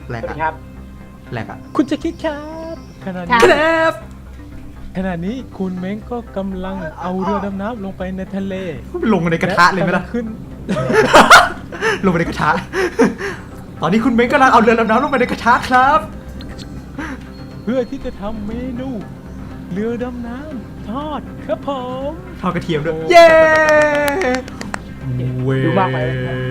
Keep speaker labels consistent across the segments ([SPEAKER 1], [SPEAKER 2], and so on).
[SPEAKER 1] แหลก
[SPEAKER 2] สวัส
[SPEAKER 1] อะ
[SPEAKER 2] ดีครับ
[SPEAKER 1] แหลกอะ
[SPEAKER 3] คุณจะคิดครับขณะ
[SPEAKER 2] ครั
[SPEAKER 3] นี้
[SPEAKER 2] บ
[SPEAKER 1] ครับ
[SPEAKER 3] ขณะนี้คุณเม้งก็กำลังเอาเรือดำน้ำลงไปในทะเล
[SPEAKER 1] ลงในกระทะเลยไหมล่ะ
[SPEAKER 3] แกำงขึ้น
[SPEAKER 1] ลงไปในกระทะ ตอนนี้คุณเม้งกำลังเอาเรือดำน้ำลงไปในกระทะครับ
[SPEAKER 3] เพื่อที่จะทำเมนูเรือดำน้ำทอดครับผม
[SPEAKER 1] ทอดกระเทียมด้วย
[SPEAKER 3] โอ้
[SPEAKER 1] เย้เว้
[SPEAKER 2] ดูมากไป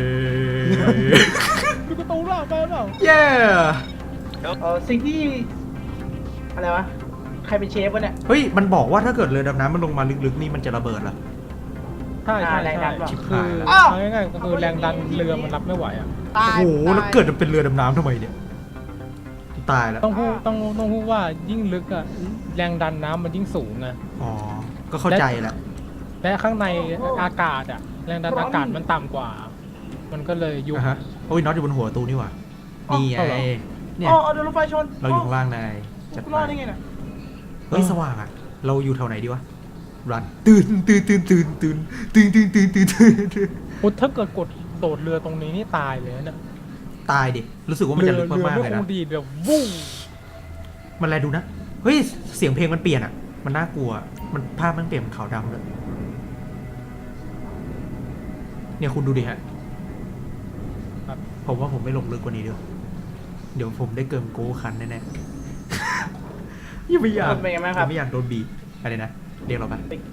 [SPEAKER 3] ดูกระตูนล่ะไปเปล่า
[SPEAKER 1] เย้
[SPEAKER 2] สิ่งที่อะไรวะใครเป็นเชฟวะเนี่ย
[SPEAKER 1] เฮ้ยมันบอกว่าถ้าเกิดเรือดำน้ำมันลงมาลึกๆนี่มันจะระเบิดเหรอ
[SPEAKER 3] ใช่ใช่
[SPEAKER 2] แรงดั
[SPEAKER 3] ใช่
[SPEAKER 2] นเปล่า
[SPEAKER 1] ชิบ
[SPEAKER 3] คื
[SPEAKER 1] หา
[SPEAKER 3] อย
[SPEAKER 1] แล้ว
[SPEAKER 3] เอาง่ายๆก็คือแรงดันเรือมันรับไม่ไหวอ่ะ
[SPEAKER 1] โอ้โหแล้วเกิดจะเป็นเรือดำน้ำทำไมเนี่ยตายแล้ว
[SPEAKER 3] ต้องพูดว่ายิ่งลึกอ่ะแรงดันน้ำมันยิ่งสูงไง
[SPEAKER 1] อ๋อก็เข้าใจแหละ
[SPEAKER 3] และข้างในอากาศอ่ะแรงดันอากาศมันต่ำกว่า มันก็เลยยุบ
[SPEAKER 1] อ่ะฮะโอ้ยน็อตอยู่บนหัวตู้นี่หว่านี่ไง
[SPEAKER 3] เอาเหรอ
[SPEAKER 1] เนี่ย
[SPEAKER 2] อ๋อเอาโดนรถไฟชน
[SPEAKER 1] เราอยู่ข้างล่างนายจัด
[SPEAKER 2] กู
[SPEAKER 1] ไป
[SPEAKER 2] รอดได้ไงน่ะ
[SPEAKER 1] เฮ้ยสว่างอ่ะเราอยู่แถวไหนดีวะรันตื่น
[SPEAKER 3] อุ๊ยถ้าเกิดกดโดดเรือตรงนี้นี่ตายเลยนะเนี่ย
[SPEAKER 1] ตายดิรู้สึกว่ามันจะลึกมากๆ
[SPEAKER 3] เรือ
[SPEAKER 1] เลย
[SPEAKER 3] ไม่ค
[SPEAKER 1] นะ
[SPEAKER 3] งดีเดี๋ยววู้
[SPEAKER 1] มันอะไรดูนะเฮ้ยเสียงเพลงมันเปลี่ยนอ่ะมันน่ากลัวมันภาพมันเปลี่ยนเป็นขาวดำเลยเนี่ยคุณดูดิฮะ
[SPEAKER 3] ครับ
[SPEAKER 1] ผมว่าผมไม่ลงลึกกว่านี้ด้วยเดี๋ยวผมได้เกิมโก้คันแน่ๆยังไม่อยาก
[SPEAKER 2] เป็นไงบ้างครับ
[SPEAKER 1] ไม่อยากโดนบีบอะไรนะเรียกเราไป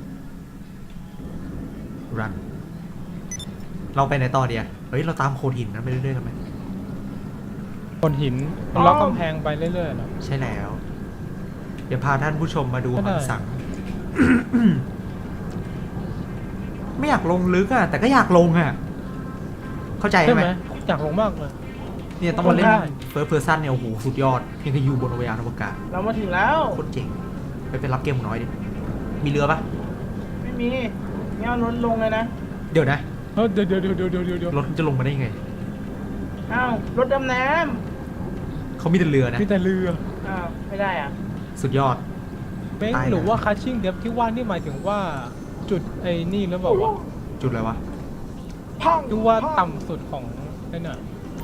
[SPEAKER 1] รันเราไปไหนต่อเดียเฮ้ยเราตามโขดหินนั้นไปเรื่อยๆกันไหม
[SPEAKER 3] คนหินมันล็อกกำแพงไปเรื่อยๆเนอะ
[SPEAKER 1] ใช่แล้ว เดี๋ยวพาท่านผู้ชมมาดู
[SPEAKER 3] ก็ได้
[SPEAKER 1] หันสัง ไม่อยากลงลึกอ่ะ แต่ก็อยากลงอ่ะ เข้าใจ
[SPEAKER 3] ใช่
[SPEAKER 1] ไห
[SPEAKER 3] ไห
[SPEAKER 1] ม
[SPEAKER 3] มอยากลงมากเลย
[SPEAKER 1] เนี่ยต้องมาเล่น
[SPEAKER 3] ได้
[SPEAKER 1] เฟิร์สเพอร์ซันเนี่ยโอ้โหสุดยอดยังกับอยู่บนอวกาศอวกาศ
[SPEAKER 2] เรามาถึงแล้ว
[SPEAKER 1] โคตรเจ๋งไปรับเกมหนูน้อยดิมีเรือปะ
[SPEAKER 2] ไม่มีงั้นเอารถลงเลยนะ
[SPEAKER 1] เดี๋ยวนะ
[SPEAKER 3] เฮ้ยเดี๋ยว
[SPEAKER 1] รถจะลงมาได้ยังไง
[SPEAKER 2] อ้าวรถดำน้
[SPEAKER 1] เขามีแต่เรือนะ
[SPEAKER 3] มีแต่เรือ
[SPEAKER 2] ำอ้าวไม่ได้อ่ะ
[SPEAKER 1] สุดยอด
[SPEAKER 3] เม้ง
[SPEAKER 1] ตายแล้ว
[SPEAKER 3] หรือว่าคัชชิ่งเดฟที่ว่านี่หมายถึงว่าจุดไอ้นี่หรือเปล่าวะ
[SPEAKER 1] จุดอะไรวะ
[SPEAKER 3] ดูว่าต่ำสุดของนั่นน่ะ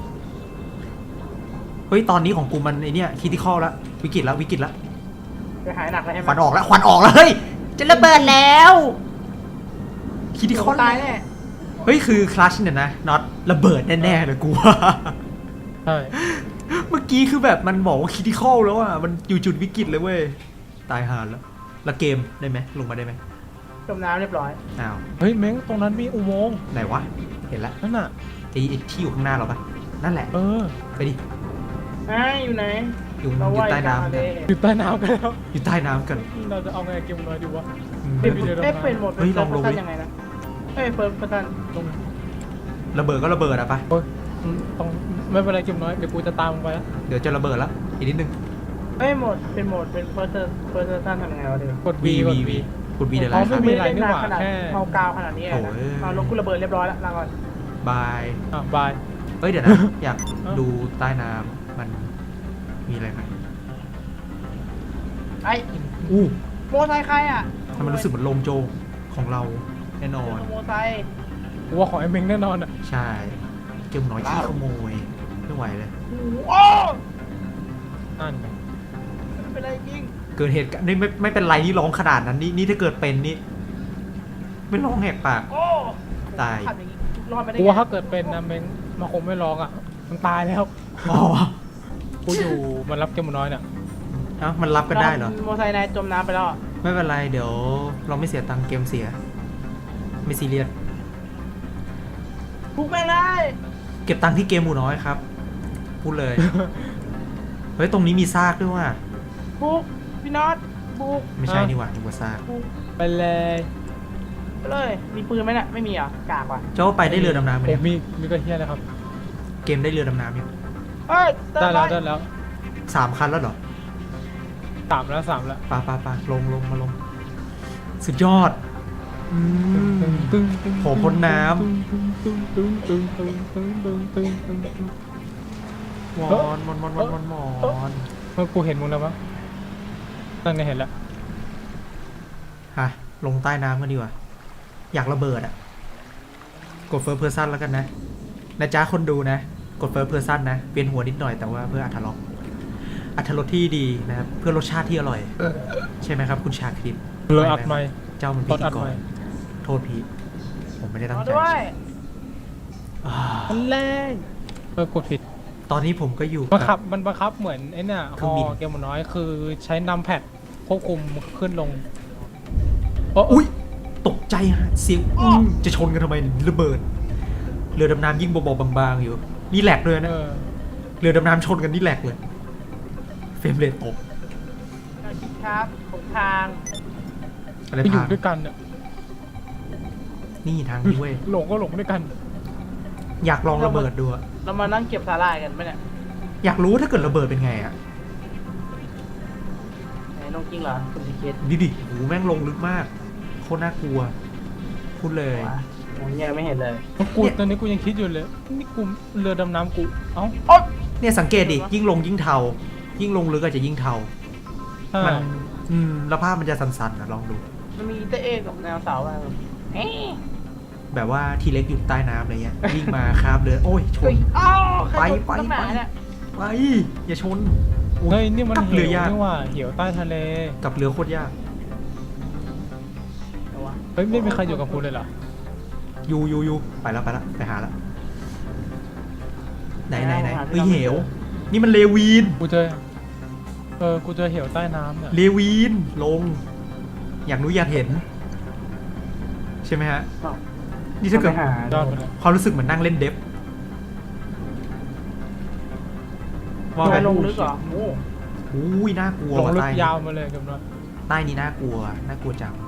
[SPEAKER 1] เฮ้ยตอนนี้ของกูมันไอเนี่ยคิดที่ข้อแล้ววิกฤตแล้ววิกฤตแล้ว
[SPEAKER 2] จะหายหนักเลยใช่ไห
[SPEAKER 1] ค
[SPEAKER 2] ม
[SPEAKER 1] วันออกแล้วควันออกแล้วเฮ้ยจะระเบิดแล้วคิดที่ข้อ
[SPEAKER 2] ตายแน่
[SPEAKER 1] เฮ้ยคือคลัชเนี่ยนะน็อตระเบิดแน่ๆเลยกูว่า
[SPEAKER 3] ใช่
[SPEAKER 1] เมื่อกี้คือแบบมันบอกว่าคิดที่ข้อแล้วอ่ะมันอยู่จุดวิกฤตเลยเว้ยตายห่าแล้วเกมได้ไหมลงมาได้ไหม
[SPEAKER 2] จมน้ำเรียบร้อย
[SPEAKER 1] อ้าว
[SPEAKER 3] เฮ้ยเม้งตรงนั้นมีอุโมงค์
[SPEAKER 1] ไหนวะเห็นแล้ว
[SPEAKER 3] นั่นน่ะ
[SPEAKER 1] ไอ้ที่อยู่ข้างหน้าเราปะนั่นแหละ
[SPEAKER 3] เออ
[SPEAKER 1] ไปดิ
[SPEAKER 2] อยู่ไหน
[SPEAKER 1] อยู่
[SPEAKER 2] เรา
[SPEAKER 1] อยู่
[SPEAKER 2] ว่าย
[SPEAKER 1] ใต้
[SPEAKER 2] กลาง
[SPEAKER 1] น้ำ
[SPEAKER 2] ทะ
[SPEAKER 1] กั
[SPEAKER 2] เล
[SPEAKER 1] น
[SPEAKER 3] อยู่ใต้น้ำกันแล้ว
[SPEAKER 1] อยู่ใต้น้ำกัน
[SPEAKER 3] เราจะเอาไงเกมน้อยดีวะ
[SPEAKER 1] อืม
[SPEAKER 3] เฮ้ย
[SPEAKER 2] เอ๊ะเปลี่ยนโหมด
[SPEAKER 1] เฮ้ยลองลงดิ
[SPEAKER 2] ยังไงนะเอ้ยเฟิร์สเพอร์ซัน
[SPEAKER 3] ตรง
[SPEAKER 1] ระเบิดก็ระเบิดอะปะ
[SPEAKER 3] โอ้ยต้องไม่เป็นไรเกมน้อยเดี๋ยวกูจะตามมึงไปนะ
[SPEAKER 1] เดี๋ยวจะระเบิดแล้วอีกนิดนึง
[SPEAKER 2] เอ้ยโหมดเป็นเฟิร์สเพอร์ซันทำยังไงวะเดี๋ยว
[SPEAKER 3] กด V กด V
[SPEAKER 1] กดวีเดี๋ยว
[SPEAKER 3] อ๋
[SPEAKER 1] ไล
[SPEAKER 3] อ
[SPEAKER 1] ฟ์ค
[SPEAKER 3] ไม่
[SPEAKER 1] รับ
[SPEAKER 3] มีอะไรนี่หว่า
[SPEAKER 2] ขนาด
[SPEAKER 3] แค่
[SPEAKER 2] เมากาวขนาดนี้เลย
[SPEAKER 1] โอ้
[SPEAKER 2] นะ
[SPEAKER 1] ย
[SPEAKER 2] เอาลงกูระเบิดเรียบร้อยแล้วลาก่อน
[SPEAKER 1] บาย
[SPEAKER 3] อ่ะบาย
[SPEAKER 1] เฮ้ยเดี๋ยวนะ อยาก
[SPEAKER 3] เอ้า
[SPEAKER 1] ดูใต้น้ำมันมีอะไรไหม
[SPEAKER 2] ไอ้
[SPEAKER 1] อู้
[SPEAKER 2] โมไซค์ใครอ่ะ
[SPEAKER 1] ทำไมรู้สึกเหมือนโลงโจงของเราแน่นอน
[SPEAKER 2] โมไซค์
[SPEAKER 3] กูว่าของไอ้เม้งแน่นอนอ่ะ
[SPEAKER 1] ใช่เกมน้อยขี้ขโมยไม่ไหวเลย
[SPEAKER 2] โอ้
[SPEAKER 3] นั่นไง
[SPEAKER 2] ไม่เป็นไรจริง
[SPEAKER 1] เกิดเหตุการณ์นี่ไม่เป็นไรนี่ร้องขนาดนั้นนี่ถ้าเกิดเป็นนี่ไม่ร้องแหกปาก
[SPEAKER 2] โอ้
[SPEAKER 1] ตาย
[SPEAKER 2] ขับอย่างงี้รอดไม่ได้
[SPEAKER 3] กู
[SPEAKER 2] ไง
[SPEAKER 3] ว่าถ้าเกิดเป็นนะเม้งมันคงไม่ร้องอ่ะมันตายแล้ว
[SPEAKER 1] อ๋อ
[SPEAKER 3] กูอยู่มันรับเกมน้อยเนี่ย
[SPEAKER 1] เอ้ามันรับกันได้เหรอ
[SPEAKER 2] โมไซค์นายจมน้ำไปแล้วอะ
[SPEAKER 1] ไม่เป็นไรเดี๋ยวเราไม่เสียตังค์เกมเสีย ไม่ซีเรียส
[SPEAKER 2] บุกแม่งเลย
[SPEAKER 1] เก็บตังค์ที่เกมหมูน้อยครับพูดเลย เฮ้ยตรงนี้มีซากด้วยว่ะ
[SPEAKER 2] บุกพี่น็อตบุก
[SPEAKER 1] ไม่ใช่นี่หว่านึกว่าซาก
[SPEAKER 2] บุก
[SPEAKER 3] ไปเลย
[SPEAKER 2] ไปเลย มีปืนไหมเนี่ยไม่มีเหรอกากว่ะ
[SPEAKER 1] เจ้าไปได้เรือดำน้ำไหม
[SPEAKER 3] ผ
[SPEAKER 1] เนี่
[SPEAKER 3] ม
[SPEAKER 1] ย
[SPEAKER 3] มีกระเทียมเลยครับ
[SPEAKER 1] เกมได้เรือดำน้ำยัง
[SPEAKER 2] เฮ้ย
[SPEAKER 3] ได้แล้ว
[SPEAKER 2] ป
[SPEAKER 3] ได้แล้ว
[SPEAKER 1] 3 คันแล้วเหรอ
[SPEAKER 3] สามแล้ว
[SPEAKER 1] ปาลงมาลง สุดยอดอืม โหพ้นน้ำ มอน
[SPEAKER 3] มันกูเห็นมึงแล้วมั้งนั่นไงเห็นแล้ว
[SPEAKER 1] ฮะลงใต้น้ำกันดีกว่า อยากระเบิดอ่ะ กดเฟิร์สเพอร์ซันแล้วกันนะจ๊ะคนดูนะกดเฟิร์สเพอร์ซันนะเวียนหัวนิดหน่อยแต่ว่าเพื่ออรรถรสที่ดีนะครับเพื่อรสชาติที่อร่อย ใช่ไหมครับคุณชาคริต
[SPEAKER 3] เลยอัดไหม
[SPEAKER 1] เจ้ามันพิ
[SPEAKER 3] ตอน
[SPEAKER 1] ธี
[SPEAKER 3] อัด
[SPEAKER 1] ก
[SPEAKER 3] ไหม
[SPEAKER 1] รโทษพีผมไม่ได้ตั้
[SPEAKER 2] รง อ
[SPEAKER 1] ใจ
[SPEAKER 2] ด้วย
[SPEAKER 1] อ่า
[SPEAKER 3] มันแรงกดผิด
[SPEAKER 1] ตอนนี้ผมก็อยู่
[SPEAKER 3] บังคั
[SPEAKER 1] กั
[SPEAKER 3] บบ มันบังคับเหมือนไอ้เนี่ยฮ
[SPEAKER 1] เครื่อง
[SPEAKER 3] อ
[SPEAKER 1] บิน
[SPEAKER 3] เกมน้อยคือใช้นัมแพดควบคุมขึ้นลง
[SPEAKER 1] อุ้ยตกใจฮะเสียงจะชนกันทำไมระเบิดเรือดำน้ำยิ่งเบาๆบางๆอยู่นี่แหลกเลยนะ เรือดำน้ำชนกันนี่แหลกเลยเฟรมเรทตก
[SPEAKER 2] ครับของทาง
[SPEAKER 1] อะไร
[SPEAKER 3] ไปอยู่
[SPEAKER 1] พัง
[SPEAKER 3] ด้วยกันเนี่ย
[SPEAKER 1] นี่ทางนี้เว้ย
[SPEAKER 3] หลงก็หลงด้วยกัน
[SPEAKER 1] อยากลองระเบิดดูอะ
[SPEAKER 2] เรามานั่งเก็บสาหร่ายกันไหมเนี่ย
[SPEAKER 1] อยากรู้ถ้าเกิดระเบิดเป็นไงอะ
[SPEAKER 2] ไหนน้องจริงเหรอคุณสิเคส
[SPEAKER 1] ดิโหแม่งลงลึกมากโคตรน่ากลัวพูดเลย
[SPEAKER 2] วะผมยังไม่เห็นเลย
[SPEAKER 3] กูตอนนี้กูยังคิดอยู่เลยนี่กูเรือดำน้ำกูเอ้า
[SPEAKER 2] โอ๊ย
[SPEAKER 1] เนี่ยสังเกตดิยิ่งลงยิ่งเทายิ่งลงลึกอาจจะยิ่งเทา
[SPEAKER 3] ใช่
[SPEAKER 1] มันแล้วภาพมันจะสั่นๆนะลองดู
[SPEAKER 2] มันมีเตะเอกกับแนวเสาอะไรเอ๊ะ
[SPEAKER 1] แบบว่าทีเล็กอยู่ใต้น้ำอะไรเงี้ยวิ่งมาคาบเรือโอ้ยช
[SPEAKER 2] เฮ้
[SPEAKER 1] น
[SPEAKER 2] ยอ้าวใคร
[SPEAKER 1] ไป
[SPEAKER 2] ชนตั้งหนาเนี่ย
[SPEAKER 1] ไปอย่าชนโอ้
[SPEAKER 3] เฮ้ยนี่มัน
[SPEAKER 1] กับ
[SPEAKER 3] เห
[SPEAKER 1] เรื
[SPEAKER 3] ว
[SPEAKER 1] อยาก
[SPEAKER 3] นี่ว่าเหวใต้ทะเล
[SPEAKER 1] กับเรือโคตรยาก
[SPEAKER 2] เอาวะ
[SPEAKER 3] เฮ้ยไม่มีใครอยู่กับกูเลยเหรอ
[SPEAKER 1] ยูไปแล้วไปหาแล้วไหนเฮ้ยเหวนี่มันเลวีน
[SPEAKER 3] กูเจอกูเจอเหวใต้น้ำเนี่ย
[SPEAKER 1] เลวีนลง อยากรู้อยากเห็น ใช่ไหมฮะ
[SPEAKER 2] อ้าว
[SPEAKER 1] นี่ถ้าเกิด
[SPEAKER 2] ไปหาย
[SPEAKER 3] อดไปเลย
[SPEAKER 1] ความรู้สึกเหมือนนั่งเล่นเดฟว่า
[SPEAKER 2] ไป
[SPEAKER 1] ไหม
[SPEAKER 2] ลงลึกเหรอโอ้
[SPEAKER 1] อุ้ยน่ากลัว
[SPEAKER 3] ลงลึก
[SPEAKER 1] ใต้
[SPEAKER 3] ยาวมาเลยกับน้อย
[SPEAKER 1] ใต้นี้น่ากลัวจัง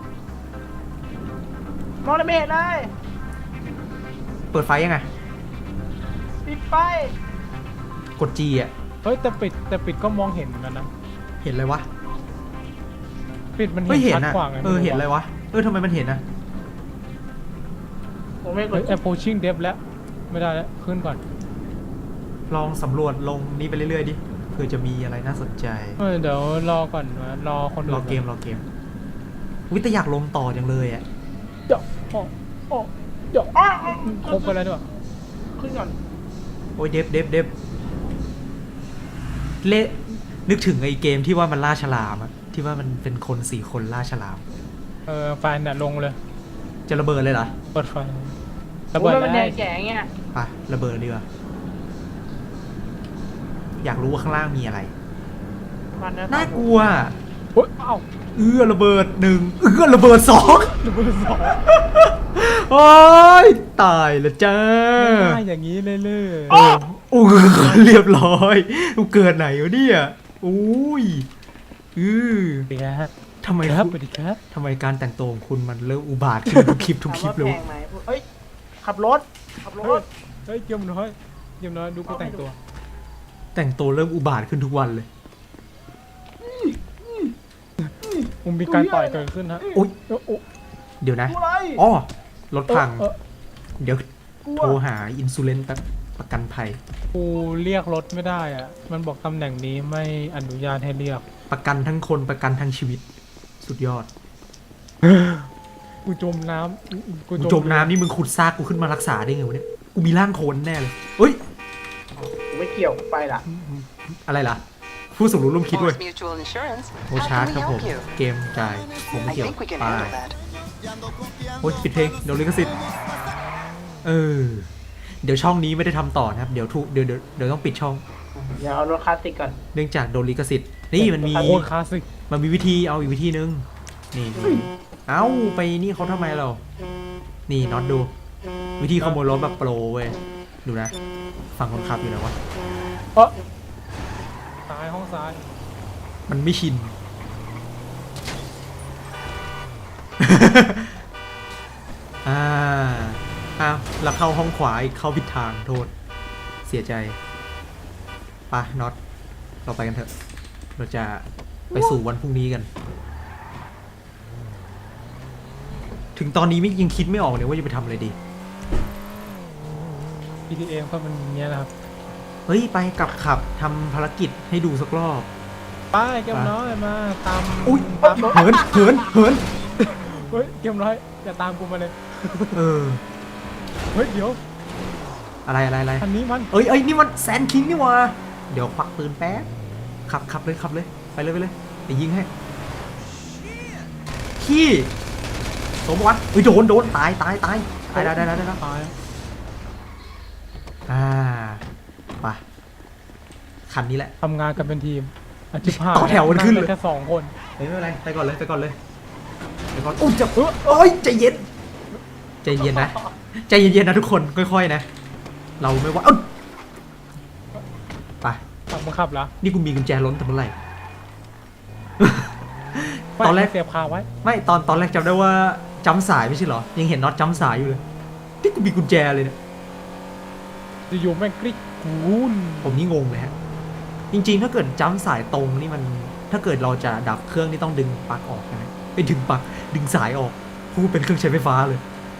[SPEAKER 2] มองไม่เห็นเลย
[SPEAKER 1] เปิดไฟยังไง
[SPEAKER 2] ปิดไฟ
[SPEAKER 1] กด G อ่ะ
[SPEAKER 3] เฮ้ยแต่ปิดก็มองเห็นเหมือนกันนะ
[SPEAKER 1] เห็นอะไรวะ
[SPEAKER 3] ปิดมัน
[SPEAKER 1] เฮ้ย
[SPEAKER 3] เห็
[SPEAKER 1] เห็
[SPEAKER 3] น
[SPEAKER 1] น
[SPEAKER 3] ชัด
[SPEAKER 1] อะ
[SPEAKER 3] กว่าไง
[SPEAKER 1] เห็นอะไรวะทำไมมันเห็นอะ
[SPEAKER 2] ผมไม่ก
[SPEAKER 3] เฮ้
[SPEAKER 2] ด
[SPEAKER 3] ย approaching depth แล้วไม่ได้แล้วขึ้นก่อน
[SPEAKER 1] ลองสำรวจลงนี้ไปเรื่อยๆดิเผื่อจะมีอะไรน่าสนใจ
[SPEAKER 3] เดี๋ยวรอก่อนนะรอคนอื่น
[SPEAKER 1] รอเกมวิแต่อยากลงต่อจังเลยอ่ะ
[SPEAKER 3] เดี๋ยวเดี๋ยว
[SPEAKER 2] อ้าว
[SPEAKER 3] ครบไปแล้วด้วย
[SPEAKER 2] ขึ้นก่อน
[SPEAKER 1] โอ้ยเดฟเละนึกถึงไอ้เกมที่ว่ามันล่าฉลามอะที่ว่ามันเป็นคน4 คนล่าฉลาม
[SPEAKER 3] ไฟเนี่ยลงเลย
[SPEAKER 1] จะระเบิดเลยเหรอ
[SPEAKER 3] เปิดไฟ
[SPEAKER 2] ระ
[SPEAKER 3] ระเบิด
[SPEAKER 2] มัน
[SPEAKER 3] แล้
[SPEAKER 2] แด
[SPEAKER 3] ว
[SPEAKER 2] งแก่เงี้ย
[SPEAKER 1] ไประเบิดดีกว่าอยากรู้ว่าข้างล่างมีอะไร
[SPEAKER 2] มันนะ
[SPEAKER 1] น่ากลัว
[SPEAKER 3] เฮ้ยเอ้า
[SPEAKER 1] ระเบิด1ระเบิด2
[SPEAKER 3] ระเบิดสอง
[SPEAKER 1] โอ้ยตายละจ้า
[SPEAKER 3] ง่ายอย่างนี้เลยเลย
[SPEAKER 1] โอ้เรียบร้อยกูเกิดไหนวะเนี่ยอุ้ย
[SPEAKER 3] สวัสดีครับ
[SPEAKER 1] ทำไม
[SPEAKER 3] ครับ
[SPEAKER 1] คุณ
[SPEAKER 3] สวัสดีครับ
[SPEAKER 1] ทำไมการแต่งตัวของคุณมันเริ่มอุบาทขึ้นทุกคลิป
[SPEAKER 2] ถาม
[SPEAKER 1] เลย
[SPEAKER 2] ว่าแพงไหมเฮ้ยขับรถ
[SPEAKER 3] เฮ้ยเกมน้อยดูกูแต่งตัว
[SPEAKER 1] แต่งตัวเริ่มอุบาทขึ้นทุกวันเลย
[SPEAKER 3] มึงมีการต่อยเกิดขึ้นฮะ
[SPEAKER 1] อุ๊ย
[SPEAKER 3] โอ้
[SPEAKER 1] เดี๋ยวนะ
[SPEAKER 2] กูอะไร
[SPEAKER 1] อ๋อรถพัง
[SPEAKER 3] เออ
[SPEAKER 1] เดี๋ยว
[SPEAKER 2] กู
[SPEAKER 1] โทรหาอินซูเลนประกันภัย
[SPEAKER 3] กูเรียกรถไม่ได้อ่ะ มันบอกตำแหน่งนี้ไม่อนุญาตให้เรียก
[SPEAKER 1] ประกันทั้งคนประกันทั้งชีวิต สุดยอด
[SPEAKER 3] กูจมน้ำ
[SPEAKER 1] กูจมน้ำนี่มึงขุดซากกูขึ้นมารักษาได้ไงวะเนี่ยกูมีร่างโคลนแน่เลยเฮ้ย
[SPEAKER 2] กูไม่เกี่ยวกูไปละ
[SPEAKER 1] อะไรล่ะ ผู้สมรู้ร่วมคิดเว้ย
[SPEAKER 4] Forest Mutual Insurance.
[SPEAKER 1] โอ
[SPEAKER 4] How
[SPEAKER 1] ชาร์
[SPEAKER 4] can
[SPEAKER 1] จ
[SPEAKER 4] we
[SPEAKER 1] ครับผม
[SPEAKER 4] help you?
[SPEAKER 1] เกมจ่ายผมไม่
[SPEAKER 4] I
[SPEAKER 1] เกี่ยว
[SPEAKER 4] think we can
[SPEAKER 1] ไป
[SPEAKER 4] handle that.
[SPEAKER 1] โอ้ยปิดเพลงเดี๋ยวลิขสิทธิ์เดี๋ยวช่องนี้ไม่ได้ทำต่อนะครับเดี๋ยวต้องปิดช่อง
[SPEAKER 2] เดี๋ยวเอารถคลาสสิกก่อน
[SPEAKER 1] เนื่องจากโดนลิขสิทธิ์นี่มันมี
[SPEAKER 3] โคตรคลาสสิก
[SPEAKER 1] วิธีเอาอีกวิธีนึงนี่เอ้าไปนี่เขาทำไมเรานี่น็อตดู วิธีขโมยรถแบบโปรเว้ยดูนะฝั่งคนขับอยู่ไหนวะ
[SPEAKER 3] ซ้ายห้องซ้าย
[SPEAKER 1] มันไม่ชิน อ้าวแล้วเข้าห้องขวาอีกเข้าผิดทางโทษ เสียใจปะน็อตเราไปกันเถอะ เราจะไปสู่วันพรุ่งนี้กัน ถึงตอนนี้ยังคิดไม่ออกเลยว่าจะไปทำอะไรดี
[SPEAKER 3] PTA ก็มันอย่างเงี้ยนะครับ
[SPEAKER 1] เฮ้ย ไปกลับขับทำภารกิจให้ดูสักรอบ
[SPEAKER 3] ไปเกมน้อยมาตาม
[SPEAKER 1] อุ้ย
[SPEAKER 3] ตามรถ
[SPEAKER 1] เหิน
[SPEAKER 3] เฮ้ยเกมน้อยอย่าตามกูมาเลย
[SPEAKER 1] เออ
[SPEAKER 3] เฮ้ยเดี๋ยว
[SPEAKER 1] อะไร
[SPEAKER 3] คันนี้มัน
[SPEAKER 1] เอ้ยนี่มันแซนคิงนี่หว่าเดี๋ยวควักปืนแป๊บขับเลยไปเลยเดี๋ยวยิงให้ขี้สมวะเฮ้ยโดนตายได้
[SPEAKER 3] ตาย
[SPEAKER 1] ไปคันนี้แหละ
[SPEAKER 3] ทำงานกันเป็นทีมอาชิบหาย
[SPEAKER 1] ต่อแถวกันขึ้นเลย
[SPEAKER 3] แค่2 คน
[SPEAKER 1] ไม่เป็นไรไปก่อนเลยอุ้ยจะโอ้ยใจเย็นนะใจเย็นนะทุกคนค่อยๆนะเราไม่ว่าไป
[SPEAKER 3] ขับแล้ว
[SPEAKER 1] นี่กูมีกุญแจล้นแต่เมื่อไหร่ ตอนแรก
[SPEAKER 3] เสียบคาไว้
[SPEAKER 1] ไม่ตอนแรกจำได้ว่าจำสายไม่ใช่เหรอยังเห็นน็อตจำสายอยู่เลยที่กูมีกุญแจเลยเนี่ย
[SPEAKER 3] จะอยู่แม่งกริ๊กกูน
[SPEAKER 1] ผมนี่งงเลยฮะจริงๆถ้าเกิดจำสายตรงนี่มันถ้าเกิดเราจะดับเครื่องนี่ต้องดึงปลั๊กออกนะไปดึงปลั๊กดึงสายออกกูเป็นเครื่องใช้ไฟฟ้าเลย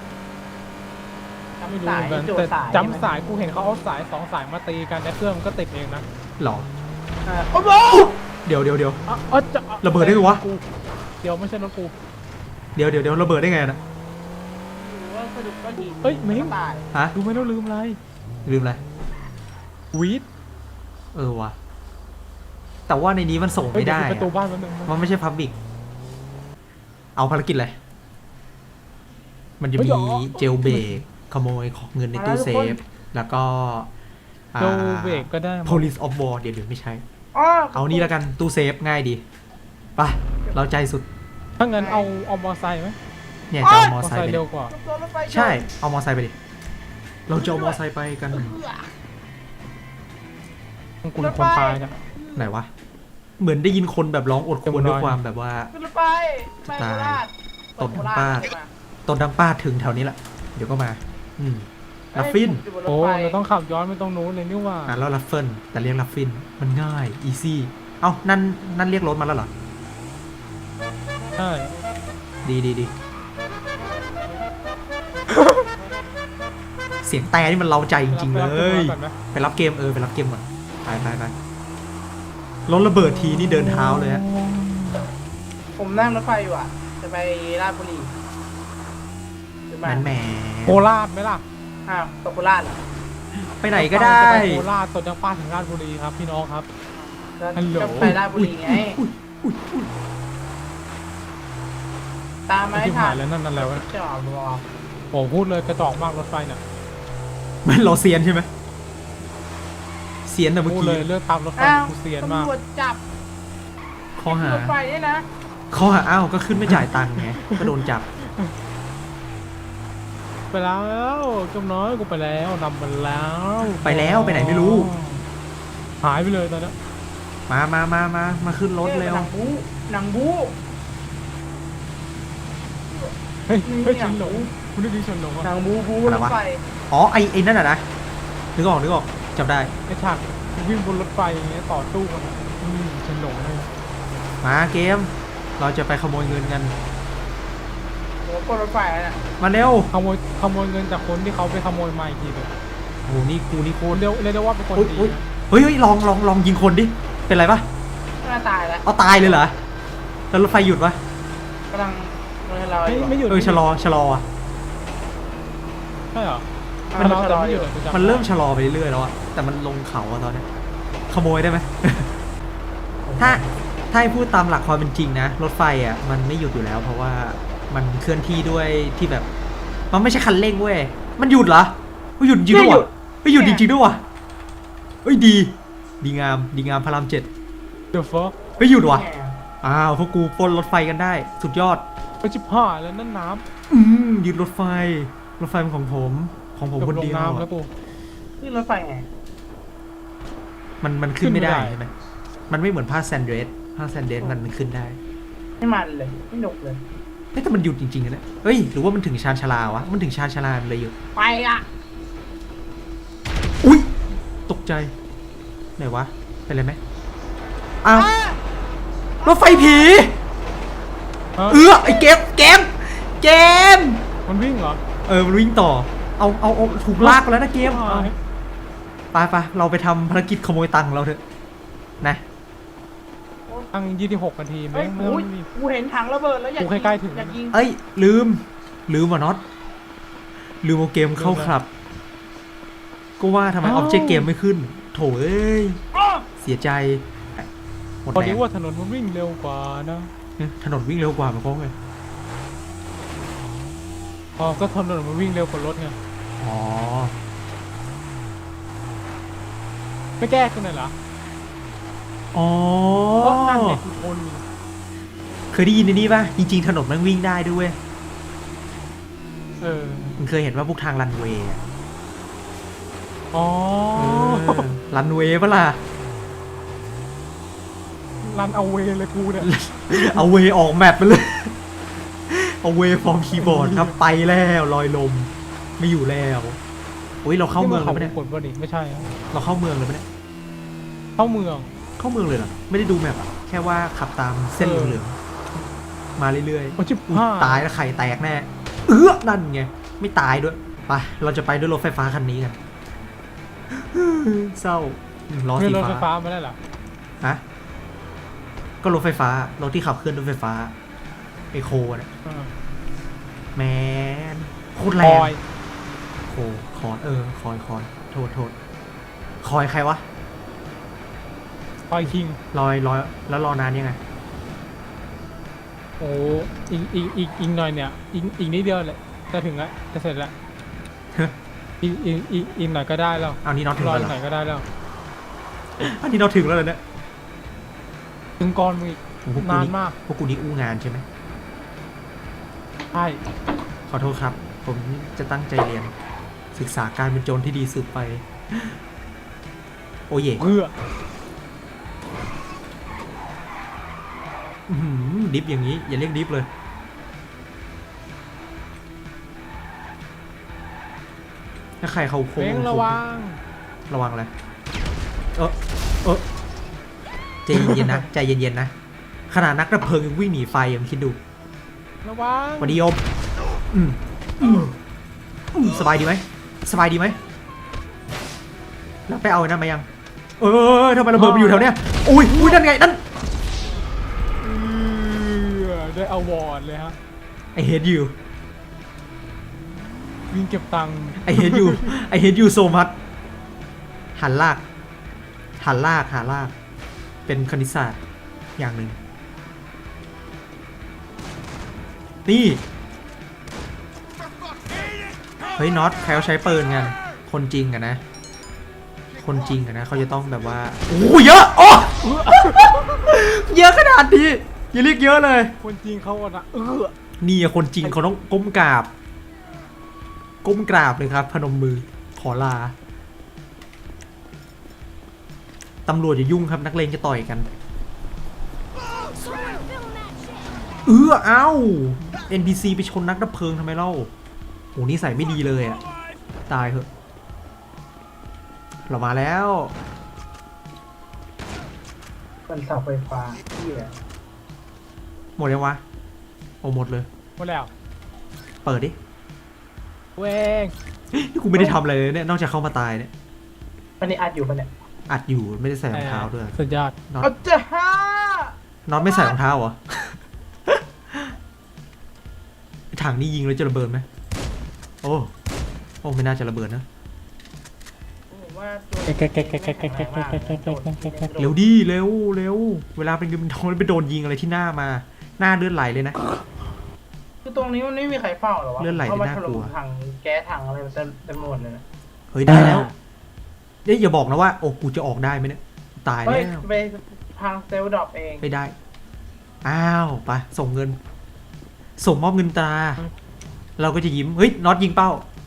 [SPEAKER 3] ไม่รู้เหมือนกันแต่จำสายกูเห็นเขาเอาสาย2 สายมาตีกันแล้วเครื่องมันก็ติดเองนะ
[SPEAKER 1] หรอ
[SPEAKER 2] โอ้โห
[SPEAKER 1] เดี๋ยว
[SPEAKER 3] จะ
[SPEAKER 1] ระเบิดได้ไงวะ
[SPEAKER 3] เดี๋ยวไม่ใช่รถกู
[SPEAKER 1] เดี๋ยวระเบิดได้ไงนะ
[SPEAKER 2] หรือว่าสะดุดก้อนหิน
[SPEAKER 3] เฮ้ยมิ้ง
[SPEAKER 2] ตาย
[SPEAKER 1] ฮะ
[SPEAKER 3] ดูไม่ต้องลืมอะไร
[SPEAKER 1] ลืมอะไร
[SPEAKER 3] วีด
[SPEAKER 1] วะแต่ว่าในนี้มันส่งไม่ได้
[SPEAKER 3] เฮ้ยเยวปิประตูบ้านแป๊บนึง
[SPEAKER 1] มันไม่ใช่พับบิกเอาภารกิจอะไรมันจะมีเจลเบรกขโมยของเงินในตู้เซฟแล้วก็
[SPEAKER 3] โจเบรกก็ได้
[SPEAKER 1] police of war เดี๋ยวไม่ใช่
[SPEAKER 2] อ๋อ
[SPEAKER 1] เอานี่แล้วกันตู้เซฟง่ายดีไปเราใจสุด
[SPEAKER 3] ถ้างั้นเอามอไซค์ไหม
[SPEAKER 1] เนี่ยจะเอามอ
[SPEAKER 3] มอ
[SPEAKER 1] ไซ
[SPEAKER 3] ไซ
[SPEAKER 1] ค์ไป
[SPEAKER 3] ค์
[SPEAKER 1] ดิ
[SPEAKER 3] เร็วกว่า
[SPEAKER 2] โดนรถไฟชน
[SPEAKER 1] ใช่เอามอไซค์ไปดิเราจะเอามอไซค์ไปกัน
[SPEAKER 3] กูเป็นคนตายนะ
[SPEAKER 1] ไหนวะเหมือนได้ยินคนแบบร้องอดควรด้วยความแบบว่า
[SPEAKER 2] ขึ้นรถไฟไปโคราช
[SPEAKER 1] ตบดังป้าตบดังป้าถึงแถวนี้แหละเดี๋ยวก็มาลัฟฟิน
[SPEAKER 3] โอ้เราต้องขับย้อนไปตรงนู้นเลยนี่ว่า
[SPEAKER 1] แล้วลัฟเฟิลแต่เรียกลัฟฟินมันง่ายอีซี่เอ้านั่นเรียกรถมาแล้วเหรอ
[SPEAKER 3] ใช่
[SPEAKER 1] ดีเสียงแต่นี่มันเร้าใจจริงๆเลยไปรับเกมไปรับเกมก่อนไปรถระเบิดทีนี่เดินเท้าเลยฮะ
[SPEAKER 2] ผมนั่งรถไฟอยู่อ่ะจะไปราชบุรีจะไป
[SPEAKER 1] แหม
[SPEAKER 3] โคราชไหมล่ะ
[SPEAKER 2] อ้าวตกโคราชเหรอ
[SPEAKER 1] ไปไหนก็ได้
[SPEAKER 3] จะไปโคราชตดจากป้าถึงราชบุรีครับพี่น้องครับ
[SPEAKER 2] ก็
[SPEAKER 3] ฮัลโหล
[SPEAKER 2] ก็ไปราชบุรีไงตามมา
[SPEAKER 3] ที่
[SPEAKER 2] ให้
[SPEAKER 3] ผ่า
[SPEAKER 2] ทั
[SPEAKER 3] น
[SPEAKER 2] น
[SPEAKER 3] แล้วนั่นแล้ว
[SPEAKER 2] จอดรอ
[SPEAKER 3] โอ้พูดเลยกระจอกมากรถไฟเนี่ย
[SPEAKER 1] มันเราเซียนใช่ไหมเซียนแต่เมื่อ
[SPEAKER 3] พูด
[SPEAKER 1] กี้
[SPEAKER 3] เลยเลือกตามรถไฟ
[SPEAKER 2] อ้าว
[SPEAKER 3] กูเซียนมาก
[SPEAKER 2] ตำรวจจับ
[SPEAKER 1] ข้อหาร
[SPEAKER 2] ถไฟเนี่ยนะ
[SPEAKER 1] อ้าวก็ขึ้นไม่จ่ายตังค์ไงก็โดนจับ
[SPEAKER 3] ไปแล้วจมน้อยกูไปแล้วนำไปแล้ว
[SPEAKER 1] ไปแล้วไปไหนไม่รู้
[SPEAKER 3] หายไปเลยตอนนี้
[SPEAKER 1] มาขึ้นรถเร็ว
[SPEAKER 2] หนังบู๊
[SPEAKER 3] เฮ้ยฉันหลงคุณได้ดีฉันหลง
[SPEAKER 2] หนั
[SPEAKER 3] อ่ะ
[SPEAKER 2] งบู๊รถไฟ
[SPEAKER 1] อ๋อไอ้นั่นน่ะนะนึกออกจำได้
[SPEAKER 3] ไอ้ฉากวิ่งบนรถไฟอย่างเงี้ยต่อตู้กันอะฉันหลงเลย
[SPEAKER 1] มาเกม เราจะไปขโมยเงินกัน
[SPEAKER 2] โอ้โหรถไฟแล้วน่ะ
[SPEAKER 1] มาเร็ว
[SPEAKER 3] ขโมยเงินจากคนที่เขาไปขโมยมาอีกทีเลย
[SPEAKER 1] โอ้นี่กูนี่โคตร
[SPEAKER 3] เรียกได้ว่าเป็นคนดีนะ
[SPEAKER 1] เฮ้ยลองยิงคนดิเป็นไรปะ
[SPEAKER 2] หน้าตายแล้ว
[SPEAKER 1] เอาตายเลยเหรอแล้วรถไฟหยุดปะ
[SPEAKER 2] กำลังเราอยู่
[SPEAKER 3] ไม่หยุด
[SPEAKER 1] ชะลออ่ะ
[SPEAKER 3] ใช่เหรอ
[SPEAKER 2] มันชะลอ
[SPEAKER 3] ไม่
[SPEAKER 2] อ
[SPEAKER 3] หยุ
[SPEAKER 2] ยู่
[SPEAKER 3] ดหรอ
[SPEAKER 1] มันเริ่มชะลอไปเรื่อยแล้วอะแต่มันลงเขาอะตอนเนี้ยขโมยได้ไหม ถ้าให้พูดตามหลักความเป็นจริงนะรถไฟอะมันไม่หยุดอยู่แล้ว เพราะว่ามันเคลื่อนที่ด้วยที่แบบ มันไม่ใช่คันเร่งเว้ยมันหยุดเหรอมันหยุดจริงด้วยวะไม่หยุดจริงๆด้วยวะเฮ้ยดีงามพระราม7
[SPEAKER 3] เดี๋ยวฟอ
[SPEAKER 1] ไม่หยุดวะอ้าวพวกกูปล้นรถไฟกันได้ สุดยอด
[SPEAKER 3] ไปชิบหายแล้วนั่นน้ำ
[SPEAKER 1] หยุดรถไฟเป็นของผมคนเดียว
[SPEAKER 3] น้ำแล้ว
[SPEAKER 1] อะ
[SPEAKER 3] กู
[SPEAKER 2] ขึ้นรถไฟไง
[SPEAKER 1] มันขึ้นไม่ได้
[SPEAKER 3] ขึ้นไม่ได้
[SPEAKER 1] ใช่ไหมมันไม่เหมือนผ้าแซนเดรสมันขึ้นได้
[SPEAKER 2] ไม่มันเลยไม่หนุกเลย
[SPEAKER 1] เฮ้ยแต่มันหยุดจริงๆนะเนี่ยเฮ้ยหรือว่ามันถึงชานชาลาวะมันถึงชานชาลามันเลยหยุด
[SPEAKER 2] ไปอ่ะ
[SPEAKER 1] อุ้ยตกใจไหนวะเป็นไรไหมอ้าวรถไฟผี
[SPEAKER 3] ฮะ
[SPEAKER 1] ไอ้เกม
[SPEAKER 3] มันวิ่งเหรอ
[SPEAKER 1] มันวิ่งต่อเอาถูกลากไปแล้วนะเกม
[SPEAKER 3] หาย
[SPEAKER 1] ไปเราไปทำภารกิจขโมยตังค์เราเถอะนะ
[SPEAKER 3] ตั้ง26 นาที
[SPEAKER 2] เฮ้
[SPEAKER 3] แม่
[SPEAKER 2] ย
[SPEAKER 3] งไม่
[SPEAKER 2] โอ้ย
[SPEAKER 3] มี
[SPEAKER 2] กูเห็นถังระเบิดแล้วอยาก
[SPEAKER 3] กูใกล้ๆถึง
[SPEAKER 2] อยากยิง
[SPEAKER 1] เอ้ยลืมว่ะน็อตลืมเอาเกมเข้าครับก็ว่าทำไมออบเจกต์เกมไม่ขึ้น โถเอ้ย เสียใจหมด
[SPEAKER 3] พอ
[SPEAKER 1] แร
[SPEAKER 3] ดี
[SPEAKER 1] ง
[SPEAKER 3] ว่าถนนมันวิ่งเร็วกว่านะ
[SPEAKER 1] ถนนวิ่งเร็วกว่ามันก็ไง
[SPEAKER 3] อ๋อก็ถนนมันวิ่งเร็วกว่ารถไง
[SPEAKER 1] อ๋อ
[SPEAKER 3] ไม่แก้กันเลยเหรอ
[SPEAKER 1] อ๋อ
[SPEAKER 3] เพราะนั่นไงคือคน
[SPEAKER 1] เคยได้ยินในนี้ป่ะ จริงๆ ถนนมันวิ่งได้ด้วย
[SPEAKER 3] เออ
[SPEAKER 1] มันเคยเห็นว่าพวกทางรันเวย์อะ
[SPEAKER 3] อ๋อ
[SPEAKER 1] รันเวย์ปะล่ะ
[SPEAKER 3] รันเอาเวเลยกูเนี่ย
[SPEAKER 1] เอาเวย์ออกแมปไปเลย เอาเวย์ฟอร์มคีย์บอร์ดครับ ไปแล้วลอยลม ไม่อยู่แล้วโอ้ยเราเข้าเมืองเลยปะเนี่ย
[SPEAKER 3] ผลบ่ดิไม่ใช่อะ
[SPEAKER 1] เราเข้าเมืองเลยปะเนี่ย
[SPEAKER 3] เข้าเมือง
[SPEAKER 1] เข้าเมืองเลยเหรอ ไม่ได้ดูแมปอะแค่ว่าขับตามเส้นเหลืองๆมาเรื่อย
[SPEAKER 3] โอ้ชิบ
[SPEAKER 1] ๆอุ๊ย
[SPEAKER 3] ห้า
[SPEAKER 1] ตายแล้วไข่แตกแน่ นั่นไง ไม่ตายด้วย ไป เราจะไปด้วยรถไฟฟ้าคันนี้กัน เศร้าล้อ
[SPEAKER 3] เงิน
[SPEAKER 1] สี
[SPEAKER 3] รถไฟ
[SPEAKER 1] ฟ้า
[SPEAKER 3] ฟ้ามาได้เหรอ
[SPEAKER 1] ฮะก็รถไฟฟ้ารถที่ขับเคลื่อนด้วยไฟฟ้าไอโคเนี่ย
[SPEAKER 3] เออ
[SPEAKER 1] แมนโคตรแร
[SPEAKER 3] ค
[SPEAKER 1] ง
[SPEAKER 3] อย
[SPEAKER 1] โคคอนคอยโทษคอยใครวะ
[SPEAKER 3] คอยคิง
[SPEAKER 1] ลอยแล้วรอนานยังไง
[SPEAKER 3] โอ้อีกหน่อยเนี่ยอีกนิดเดียวเลยจะถึงแล้วจะเสร็จแล้วอีกหน่อยก็ได้แล้ว
[SPEAKER 1] เอานี่น็อตถึง
[SPEAKER 3] รอ
[SPEAKER 1] แล้ว
[SPEAKER 3] อี
[SPEAKER 1] เหรอ
[SPEAKER 3] กหน่อยก็ได้แล้ว
[SPEAKER 1] อันนี้น็อตถึงแล้วเหรอเนี่ย
[SPEAKER 3] ถึงก่อนมึงอีก
[SPEAKER 1] โอ้โหพวกกู
[SPEAKER 3] นาน
[SPEAKER 1] นี่
[SPEAKER 3] มาก
[SPEAKER 1] พวกกูนี่อู้งานใช่ไหม
[SPEAKER 3] ใช่
[SPEAKER 1] ขอโทษครับ ผมจะตั้งใจเรียน ศึกษาการเป็นโจรที่ดีสืบไป โอ้เย่
[SPEAKER 3] เพื่อ
[SPEAKER 1] อื้อหือดิฟอย่างนี้ อย่าเรียกดิฟเลย ถ้าใครเขาโค้
[SPEAKER 3] เพ่งระวัง
[SPEAKER 1] ระวังอะไรใจเย็นๆนะ ใจเย็นๆนะ ขนาดนักดับเพลิงยังวิ่งหนีไฟยังคิดดู
[SPEAKER 3] ระวัง
[SPEAKER 1] สวัสดีโยมสบายดีไหม สบายดีไหม แล้วไปเอาไอ้นั่นมายัง ทำไมระเบิดมันอยู่แถวเนี้ย อุ้ยนั่นไง นั่น
[SPEAKER 3] ได้อวอร์ดเลยฮะ
[SPEAKER 1] I hate you
[SPEAKER 3] วิ่งเก็บตังค์
[SPEAKER 1] I hate you I hate you so much หันลาก เป็นคณิตศาสตร์อย่างหนึ่ง นี่ เฮ้ยน็อตใครเขาใช้ปืนกัน คนจริงอะนะ คนจริงอะนะเขาจะต้องแบบว่า โอ้เยอะโอ้ เยอะขนาดนี้อย่าเรียกเยอะเลย
[SPEAKER 3] คนจริงเขาอะนะ
[SPEAKER 1] นี่อะคนจริงเขาต้องก้มกราบเลยครับ พนมมือขอลา ตำรวจอย่ายุ่งครับนักเลงจะต่อยกัน เอ้า NPC ไปชนนักดับเพลิงทำไมเล่าโหนี่ใส่ไม่ดีเลยอ่ะ ตายเหอะ เรามาแล้ว
[SPEAKER 2] เป็นเสาไฟฟ้าที่อะ
[SPEAKER 1] หมดยังวะโอ้หมดเลย
[SPEAKER 3] หมดแล้ว
[SPEAKER 1] เปิดดิ
[SPEAKER 3] เวง
[SPEAKER 1] นี่กูไม่ได้ทำอะไรเลยเนี่ยนอกจากเข้ามาตายเนี่ย
[SPEAKER 2] อันนี้อัดอยู่ปะเนี่ย
[SPEAKER 1] อัดอยู่ไม่ได้ใส่รองเท้าด้วย
[SPEAKER 3] สุดยอด
[SPEAKER 1] น็อต
[SPEAKER 2] เอาจ้าฮ่า
[SPEAKER 1] น็อตไม่ใส่รองเท้าเหรอ ถังนี่ยิงแล้วจะระเบิดไหมโอ้ไม่น่าจะระเบิดนะ
[SPEAKER 2] ผมว่าตัว
[SPEAKER 1] เร็วดิเร็วเวลาเป็นเงินทองแล้วไปโดนยิงอะไรที่หน้ามาหน้าเลือดไหลเลยนะ
[SPEAKER 2] คือตรงนี้มันไม่มีใครเฝ้าหรอวะ
[SPEAKER 1] เลื่อนไหล
[SPEAKER 2] เข้ามา
[SPEAKER 1] น่า
[SPEAKER 2] ถ
[SPEAKER 1] กลั
[SPEAKER 2] ล่ม
[SPEAKER 1] ว
[SPEAKER 2] ถังแก๊สถังอะไรมันเต็มหมดเลยนะ
[SPEAKER 1] เฮ้ยได้แล้วเดี๋ยวอย่าบอกนะว่าโอ้กูจะออกได้ไหมเนี่ยตาย
[SPEAKER 2] เฮ้ย
[SPEAKER 1] แล้ว
[SPEAKER 2] ไปพังเซลล์ดรอปเอง
[SPEAKER 1] ไม่ได้อ้าวไปส่งเงิน ส่งมอบเงินตรา เราก็จะยิ้มเฮ้ยน็อตยิงเป้า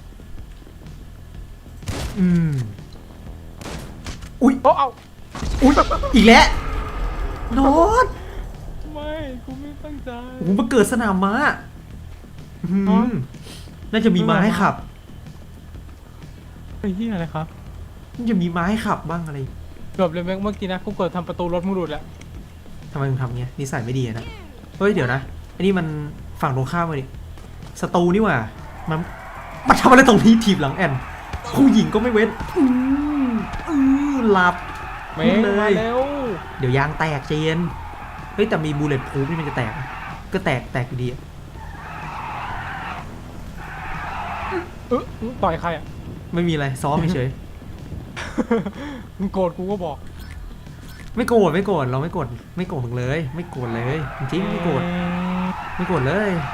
[SPEAKER 1] อุ้ย
[SPEAKER 3] โอ้เอา
[SPEAKER 1] อุ้ยอีกแล้วน็อต
[SPEAKER 3] ไม่กูไม่ตั้งใจ
[SPEAKER 1] โอ้โหมาเกิดสนามม้าอื้อหือน่าจะมีม้าให้ขับ
[SPEAKER 3] ไอ้เหี้ยอะไรครับ
[SPEAKER 1] น่าจะมีม้าให้ขับบ้างอะไร
[SPEAKER 3] เกือบเลยเมื่อกี้นะกูเกิดทำประตูรถมึงหลุดแล้ว
[SPEAKER 1] ทำไมมึงทำเงี้ยนิสัยไม่ดีอะนะเฮ้ยเดี๋ยวนะอันนี้มันฝั่งตรงข้ามมาดิศัตรูนี่หว่ามันทำอะไรตรงนี้ทีบหลังแอนผู้หญิงก็ไม่เว้นหลับ
[SPEAKER 3] เมงมาเร็ว
[SPEAKER 1] เดี๋ยวยางแตกเจนเฮ้ยแต่มีบูเลตพูฟนี่มันจะแตกไหมก็แตกอยู่ดีอะ
[SPEAKER 3] ต่อยใครอ่ะ
[SPEAKER 1] ไม่มีอะไรซ้อมเฉย
[SPEAKER 3] มึงโกรธกูก็บอก
[SPEAKER 1] ไม่โกรธเราไม่โกรธมึงเลย ไม่โกรธเลยจริงๆไม่โกรธเลย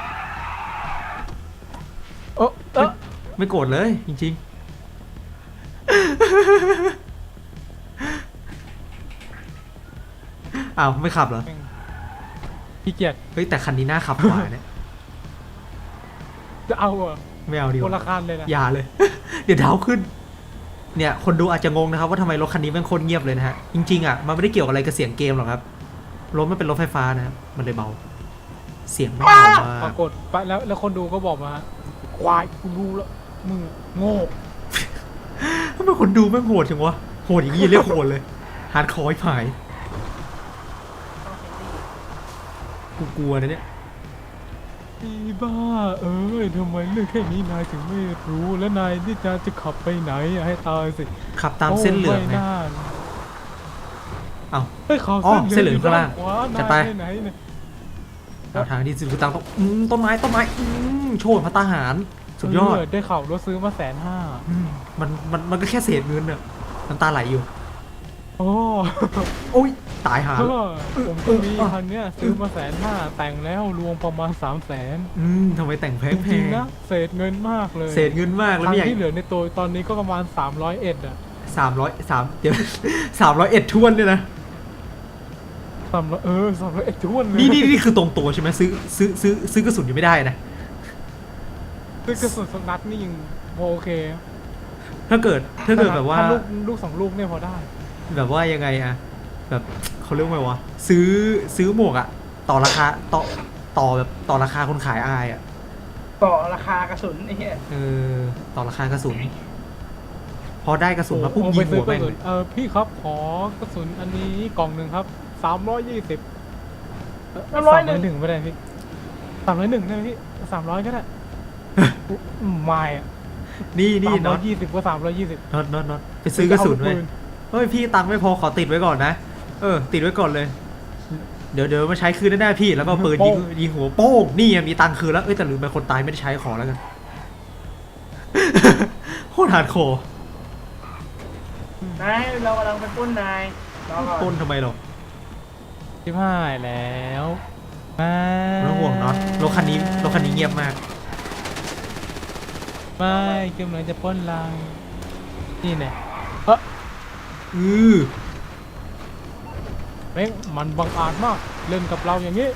[SPEAKER 1] ไม่โกรธเลยจริงๆอ้าวไม่ขับเหรอ
[SPEAKER 3] ขี้เกียจ
[SPEAKER 1] เฮ้ยแต่คันนี้น่าขับกว่าเนี่ย
[SPEAKER 3] จะเอาอ่ะ
[SPEAKER 1] ไม่เอาดีก
[SPEAKER 3] คนละ
[SPEAKER 1] ว่า
[SPEAKER 3] คันเลยนะ
[SPEAKER 1] อย่าเลย เดี๋ยวเท้าขึ้น เนี่ยคนดูอาจจะงงนะครับว่าทำไมรถคันนี้แม่งโคตรเงียบเลยนะฮะจริงๆอ่ะมันไม่ได้เกี่ยวอะไรกับเสียงเกมหรอกครับรถมันเป็นรถไฟฟ้านะครับมันเลยเบา เสียงไม่เบา
[SPEAKER 3] ป
[SPEAKER 1] มาร
[SPEAKER 3] าก กฏไปแล้วคนดูก็บอกมาควายกูรู้แล้วมึงโง่
[SPEAKER 1] ทำไมคนดูแม่งโหดจังวะโหดอย่างนี้เรียกโหดเลยฮาร์ดคอร์ผายกูกลัวนะเนี่ย
[SPEAKER 3] ไอ้บ้าทำไมเรื่องแค่นี้นายถึงไม่รู้แล้วนายที่จะขับไปไหนให้ตายสิ
[SPEAKER 1] ขับตามเส้นเหลือง
[SPEAKER 3] ไง
[SPEAKER 1] ไงเอ้า
[SPEAKER 3] เฮ้ยเขา
[SPEAKER 1] อ๋อเส้นเหลืองข้างล่าง
[SPEAKER 3] ขวา
[SPEAKER 1] จะไป
[SPEAKER 3] นายไหนเนี่ย
[SPEAKER 1] เอาทางที่สุดกูตังต้องต้นไม้โชว์พระตาหารสุดยอด
[SPEAKER 3] ได้ข่าวรถซื้อมา150,000
[SPEAKER 1] มันก็แค่เศษเงินเนี่ยน้ำตาไหลอยู่
[SPEAKER 3] โอ้
[SPEAKER 1] โอ้ยตายหา
[SPEAKER 3] ผมก็มีคันเนี้ยซื้อมา150,000แต่งแล้วรวมประมาณ300,000
[SPEAKER 1] ทำไมแต่งแพ
[SPEAKER 3] จ
[SPEAKER 1] ง
[SPEAKER 3] ริงๆนะเศษเงินมากเลย
[SPEAKER 1] เศษเงินมากแล้ว
[SPEAKER 3] คัน
[SPEAKER 1] ไม่อยาก
[SPEAKER 3] ที่เหลือในตัวตอนนี้ก็ประมาณ301อ่ะ
[SPEAKER 1] 300เดี๋ยว301ท้วนเลยนะ
[SPEAKER 3] 301ท้วนเลย
[SPEAKER 1] นี่คือตรงตัวใช่ไหมซื้อกระสุนยังไม่ได้นะ
[SPEAKER 3] คือกระสุนสนัดนี่ยังโอเค
[SPEAKER 1] ถ้าเกิดแบบว่า
[SPEAKER 3] ถ้ลูก2ลูกเนี่ยพอได้
[SPEAKER 1] แบบว่ายังไงอะแบบเขาเรียกว่าไงวะซื้อหมวกอะต่อราคาต่อแบบต่อราคาคนขายอายอะ
[SPEAKER 2] ต่อราคากระสุนไอ้เหี้ย
[SPEAKER 1] ต่อราคากระสุน พอได้กระสุนมาปุ๊บ
[SPEAKER 3] โอ้
[SPEAKER 1] ยิง
[SPEAKER 3] ไปซื้
[SPEAKER 1] หั
[SPEAKER 3] อ
[SPEAKER 1] วแม่ง
[SPEAKER 3] กระสุ
[SPEAKER 1] เล
[SPEAKER 3] น
[SPEAKER 1] ย
[SPEAKER 3] พี่ครับขอกระสุนอันนี้กล่องหนึ่งครับ320 301ไม่ได้พี่301ได้ไหมพี่300ก็ได้ไม่อะ
[SPEAKER 1] นี่น็อต
[SPEAKER 3] 320ก็320
[SPEAKER 1] น็อตไปซื้อกระสุนไว้เฮ้ยพี่ตังค์ไม่พอขอติดไว้ก่อนนะติดไว้ก่อนเลย เดี๋ยวมาใช้คืนแน่ๆพี่แล้วก็เปิดยิงหัวโป้งนี่มีตังค์คืนแล้วแต่ลืมไปคนตายไม่ได้ใช้ขอแล้วกัน โคตรฮาร์ดคอร์
[SPEAKER 2] นายเรากำลังไปปล้นนายรอก่อน
[SPEAKER 1] ต้นทำไมหรอ
[SPEAKER 3] ที่พายแล้วไม่
[SPEAKER 1] ไม่ต้องห่วงเนาะรถคันนี้เงียบมาก
[SPEAKER 3] ไม่กำลังจะปล้นเรานี่แน่ แม่งมันบังอาจมากเล่นกับเราอย่างนี้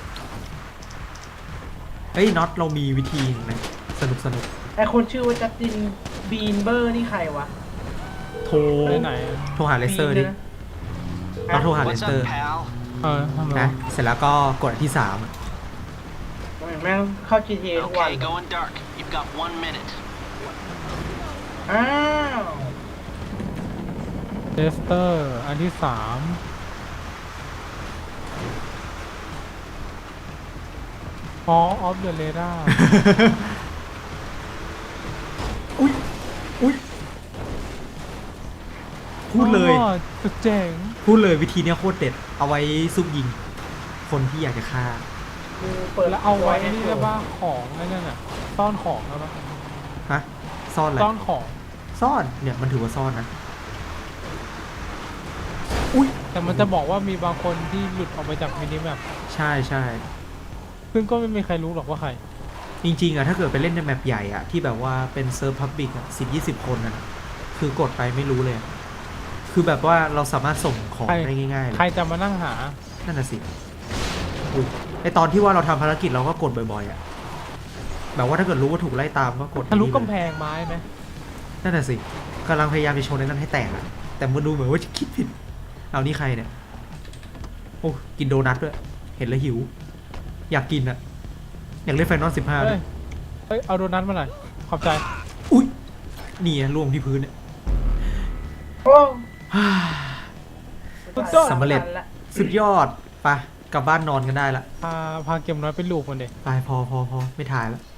[SPEAKER 1] เฮ้ยน็อตเรามีวิธีนะสนุก
[SPEAKER 2] ไอ้คนชื่อว่าจัสตินบีนเบอร์นี่ใครวะ
[SPEAKER 1] โทร
[SPEAKER 3] ไปไหน
[SPEAKER 1] โทรหาเลเซอร์ดิเราโทรหาเล
[SPEAKER 4] What's
[SPEAKER 1] เซอร์
[SPEAKER 4] up, pal?
[SPEAKER 3] ทำไม
[SPEAKER 1] นะเสร็จแล้วก็กดอันที่3อะ
[SPEAKER 2] แม่งเข้า GTA ทุกวัน
[SPEAKER 4] Okay, going dark. You've got 1 minute.
[SPEAKER 2] อ้าว
[SPEAKER 3] เลสเตอร์อันที่3 Hall of the Radar
[SPEAKER 1] อุ้ยพูดเลย
[SPEAKER 3] สุดเจ๋ง
[SPEAKER 1] พูดเลยวิธีเนี้ยโคตรเด็ดเอาไว้ซุ่มยิงคนที่อยากจะฆ่า
[SPEAKER 2] กูเปิด
[SPEAKER 3] แล้วเอาไว้นี่ได้บ้างของนั่นน่ะซ่อนของแล้วปะ
[SPEAKER 1] ฮะซ่อนอะไร
[SPEAKER 3] ซ่อนของ
[SPEAKER 1] ซ่อนเนี่ยมันถือว่าซ่อนนะ
[SPEAKER 3] แต่มันจะบอกว่ามีบางคนที่หลุดออกไปจากมินิแมป
[SPEAKER 1] ใช่
[SPEAKER 3] ซึ่งก็ไม่มีใครรู้หรอกว่าใคร
[SPEAKER 1] จริงๆอะถ้าเกิดไปเล่นในแมปใหญ่อะที่แบบว่าเป็นเซิร์ฟพับบิกอะ10-20 คนอะคือกดไปไม่รู้เลย คือแบบว่าเราสามารถส่งของ
[SPEAKER 3] ใคร
[SPEAKER 1] ได้ง่ายๆเล
[SPEAKER 3] ใคร
[SPEAKER 1] ย
[SPEAKER 3] จะมานั่งหา
[SPEAKER 1] นั่นน่ะสิอุ๊ยไอตอนที่ว่าเราทำภารกิจเราก็กดบ่อยๆอะแบบว่าถ้าเกิดรู้ว่าถูกไล่ตามก็กด
[SPEAKER 3] ทะลุ
[SPEAKER 1] นี่เลย
[SPEAKER 3] กำแพงไม้ไหม
[SPEAKER 1] นั่นน่ะสิกำลังพยายามจะชนในนั้นให้แตกอะแต่มันดูเหมือนว่าจะคิดผิดเอานี่ใครเนี่ยโอ้กินโดนัทด้วยเห็นแล้วหิว อยากกินอะอยากเล่นไฟนอล15ด้วย
[SPEAKER 3] เฮ้ย เอาโดนัทมาหน่อย ขอบใจ
[SPEAKER 1] อุ้ยนี่อะล่วงที่พื้นเนี่ย
[SPEAKER 2] โอ้
[SPEAKER 3] สุดยอด
[SPEAKER 1] สำเร็จ สุดยอดไปกลับบ้านนอนกันได้ละ
[SPEAKER 3] พาเกมน้อยไปลูกมันเด็
[SPEAKER 1] ไปพอไม่ถ่ายแล้ว